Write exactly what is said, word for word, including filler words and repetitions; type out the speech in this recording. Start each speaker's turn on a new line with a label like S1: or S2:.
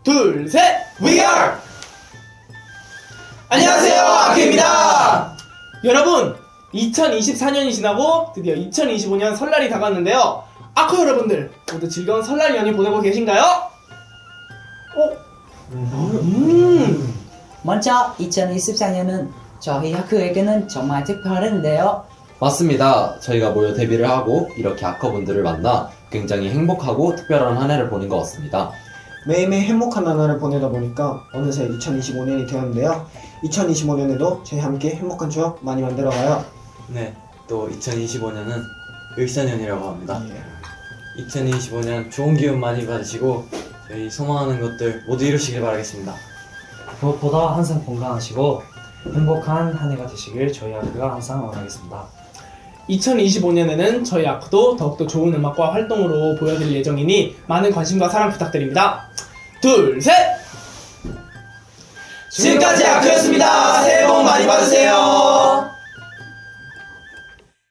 S1: 둘, 셋!
S2: We are! 안녕하세요, 아크입니다.
S1: 여러분, 이천이십사 년이 지나고 드디어 이천이십오 년 설날이 다가왔는데요. 아크 여러분들 모두 즐거운 설날 연휴 보내고 계신가요? 어? 음.
S3: 먼저 이천이십사 년은 저희 학교에게는 정말 특별한데요.
S2: 맞습니다. 저희가 모여 데뷔를 하고 이렇게 아커분들을 만나 굉장히 행복하고 특별한 한 해를 보낸 것 같습니다.
S4: 매일매일 행복한 나날을 보내다 보니까 어느새 이천이십오 년이 되었는데요. 이천이십오 년에도 저희 함께 행복한 추억 많이 만들어가요.
S5: 네, 또 이천이십오 년은 을사년이라고 합니다.
S4: 예.
S5: 이천이십오 년 좋은 기운 많이 받으시고 저희 소망하는 것들 모두 이루시길 바라겠습니다.
S6: 무엇보다 항상 건강하시고 행복한 한 해가 되시길 저희 학교가 항상 원하겠습니다.
S1: 이천이십오 년에는 저희 아크도 더욱더 좋은 음악과 활동으로 보여드릴 예정이니 많은 관심과 사랑 부탁드립니다. 둘, 셋!
S2: 지금까지 아크였습니다. 새해 복 많이 받으세요.